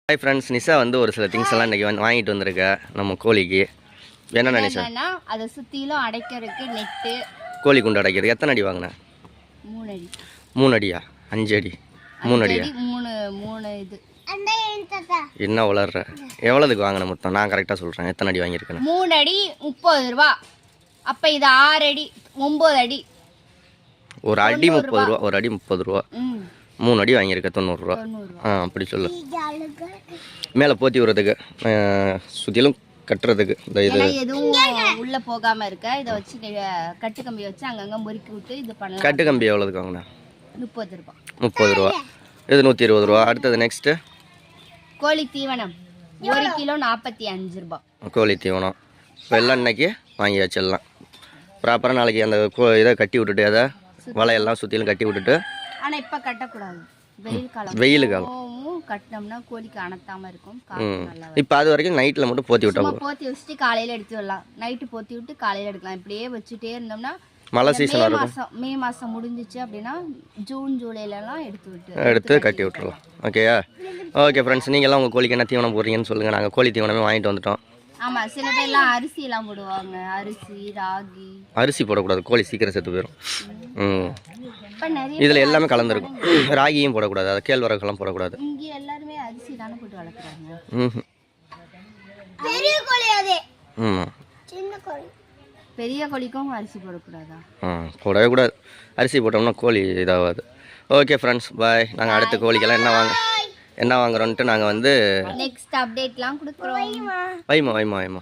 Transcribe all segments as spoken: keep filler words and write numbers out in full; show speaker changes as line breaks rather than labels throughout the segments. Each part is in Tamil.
ஹாய் ஃப்ரெண்ட்ஸ், நிஷா வந்து ஒரு சில திங்ஸ் எல்லாம் இன்றைக்கி வந்து வாங்கிட்டு வந்திருக்க நம்ம கோழிக்கு. என்ன நிஷா?
அதை சுற்றிலும் அடைக்கிறதுக்கு நெட்டு,
கோழி குண்டு அடைக்கிறது. எத்தனை அடி வாங்கினேன்?
மூணு அடி.
மூணு அடியா? அஞ்சு அடி? மூணு அடியா?
மூணு மூணு இது.
என்ன வளர்ற? எவ்வளோதுக்கு வாங்கின மொத்தம்? நான் கரெக்டாக சொல்கிறேன். எத்தனை அடி வாங்கியிருக்கேன்?
மூணு அடி முப்பது ரூபா. அப்போ இது ஆறு அடி, ஒம்பது அடி.
ஒரு அடி முப்பது ரூபா. ஒரு அடி முப்பது ரூபா. மூணு அடி வாங்கியிருக்க தொண்ணூறுரூவா. ஆ, அப்படி சொல்லு. மேலே போத்தி விடுறதுக்கு, சுற்றிலும் கட்டுறதுக்கு இந்த இது
எதுவும் உள்ளே போகாமல் இருக்க இதை வச்சு கட்டு கம்பி வச்சு அங்கங்கே முறுக்கி விட்டு இது பண்ணலாம்.
கட்டு கம்பி எவ்வளோதுக்கு வாங்கினா?
முப்பது ரூபா.
முப்பது ரூபா. இது நூற்றி இருபது ரூபா. அடுத்தது நெக்ஸ்ட்டு
கோழி தீவனம் ஒரு கிலோ நாற்பத்தி அஞ்சு ரூபா.
கோழி தீவனம் இப்போ எல்லாம் இன்னைக்கு வாங்கி வச்சிடலாம். ப்ராப்பராக நாளைக்கு அந்த கோ இதை கட்டி விட்டுட்டு அதை வலையெல்லாம் சுற்றிலும் கட்டி விட்டுட்டு.
ஆனால் இப்போ கட்டக்கூடாது, வெயில் காலம்.
வெயில் காலம்
கட்டினோம்னா கோழிக்கு அணத்தாமல் இருக்கும்.
இப்போ அது வரைக்கும் நைட்டில் மட்டும் போத்தி விட்டோம்.
போத்தி வச்சுட்டு காலையில் எடுத்து விடலாம். நைட்டு போத்தி விட்டு காலையில் எடுக்கலாம். இப்படியே வச்சுட்டே இருந்தோம்னா
மழை சீசன் வரும்.
மே மாதம் முடிஞ்சிச்சு அப்படின்னா ஜூன் ஜூலைலலாம் எடுத்து விட்டு
எடுத்து கட்டி விட்டுறலாம். ஓகேயா? ஓகே ஃப்ரெண்ட்ஸ், நீங்கள்லாம் உங்கள் கோழிக்கு என்ன தீவனம் போடுறீங்கன்னு சொல்லுங்கள். நாங்கள் கோழி தீவனமே வாங்கிட்டு வந்துட்டோம்.
ஆமாம், சில பேர்லாம் அரிசி எல்லாம் போடுவாங்க. அரிசி, ராகி.
அரிசி போடக்கூடாது, கோழி சீக்கிரம் செத்து போயிடும். ம், இதில் எல்லாமே கலந்துருக்கும். ராகியும் போடக்கூடாது, அது கேழ்வரகுலாம் போடக்கூடாது.
இங்கே எல்லாருமே அரிசி தானே போட்டு வளர்க்குறாங்க.
ம்,
பெரிய கோழி அதே.
ம்,
சின்ன கோழி. பெரிய கோழிக்கும் அரிசி போடக்கூடாதா?
ஆ, போடவே கூடாது. அரிசி போட்டோம்னா கோழி இதாகாது. ஓகே ஃப்ரெண்ட்ஸ், பாய். நாங்கள் அடுத்த கோழிக்கெல்லாம் என்ன வாங்க என்ன வாங்குறோன்ட்டு நாங்கள் வந்து
நெக்ஸ்ட் அப்டேட்லாம் கொடுக்குறோம்.
வைமா வைமா வைமா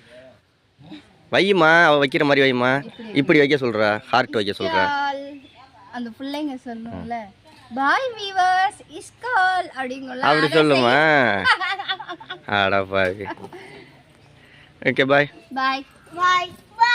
வைமா அவள் வைக்கிற மாதிரி வைமா. இப்படி வைக்க சொல்கிறா, ஹார்ட் வைக்க சொல்கிறா.
அந்த பிள்ளைங்க சொல்லும்ல, பாய் வீவர்ஸ் இஸ் கால் அப்படிங்கல.
அப்படி சொல்லுமா? அட பாவி. ஓகே, பாய்
பாய் பாய்.